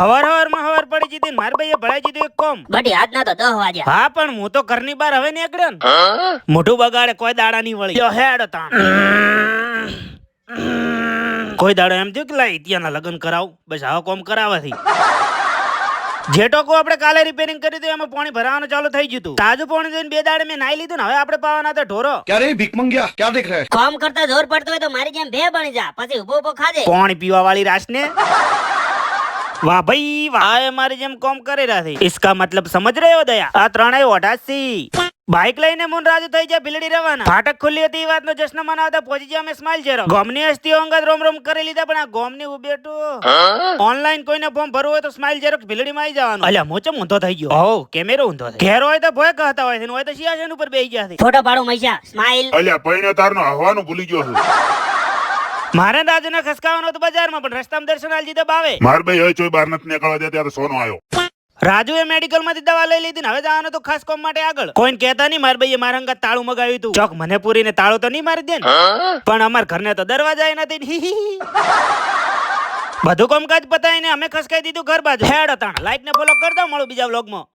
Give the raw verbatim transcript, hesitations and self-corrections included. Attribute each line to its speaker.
Speaker 1: હવાર હવાર માં હવાર પડી જીતી માર ભાઈએ ભળાઈ જીધું એક કોમ
Speaker 2: બટી આજના તો દસ વાગ્યા.
Speaker 1: હા પણ હું તો ઘરની બહાર હવે નીકળ્યો ને મોઢું બગાડે કોઈ દાડા નહીં વળી લ્યો હેડ તાણ કોઈ દાડો એમ થયું કે લા ઇતિયાના લગ્ન કરાવ બસ આવા કોમ કરાવવાથી જે ટોકો આપણે કાલે રિપેરિંગ કરી હતું એમાં પાણી ભરાવાનું ચાલુ થઈ ગયું હતું તાજું પાણી જોઈને બે દાડે મેં નાઈ લીધું ને હવે આપણે પાવાના હતા ઢોરો
Speaker 3: क्या रे भीख मंगिया क्या देख रहा है?
Speaker 2: કામ કરતા જોર પડતો હોય તો મારી જેમ ભે બની જા પછી ઉભો ઉભો ખાજે.
Speaker 1: પાણી પીવા વાળી રાસ ને વાહ ભાઈ વાહ આ મારી જેમ કોમ કરી રહ્યા છે इसका मतलब समझ रहे हो दया આ ત્રણેય ઓઢાસી બાઇક લઈને મુન રાજુ થઈ જાય ભીલડી રવાના ફાટક ખુલ્લી હતી એ વાતનો જશ્ન મનાવતા પહોંચી જાય અમે સ્માઇલ જેરો ગોમની હસ્તીઓ અંગત રોમ રોમ કરી લીધા પણ આ ગોમની ઉબેટું ઓનલાઈન કોઈને ફોર્મ ભરવું હોય તો સ્માઇલ જેરો ભીલડી માં આવી જવાનું અલ્યા મોચો ઊંધો થઈ ગયો હો કેમેરો ઊંધો થઈ ઘેર હોય તો ભોય કહેતા હોય છે હોય તો સિયાસન ઉપર બેસી ગયા છે
Speaker 2: ફોટો પાડો મૈસા સ્માઈલ.
Speaker 4: અલ્યા પૈણે તારનો હવાનું ભૂલી ગયો છું.
Speaker 1: મારે રાજુને ખસકાવાનો હતો બજારમાં પણ રસ્તામાં દર્શન આલી દીધા બાવે
Speaker 4: માર ભાઈ હવે ચોય બહાર નથી નીકળવા દે ત્યારે સોનો આવ્યો.
Speaker 1: રાજુએ મેડિકલ માંથી દવા લઈ લીધી ને હવે જવાનું તો ખાસ કામ માટે આગળ કોઈને કહેતા નહીં મારા ભાઈએ મારા અંગત તાળું મગાવ્યું હતું ચોક મને પૂરીને તાળું તો નહીં મારી દે ને પણ અમાર ઘરને તો દરવાજા નથી બધું કામકાજ પતાવીને અમે ખસકાઈ દીધું ઘર બાજુ હેડ તાણ લાઈક ને ફોલો કરી દો મળું બીજા વ્લોગમાં.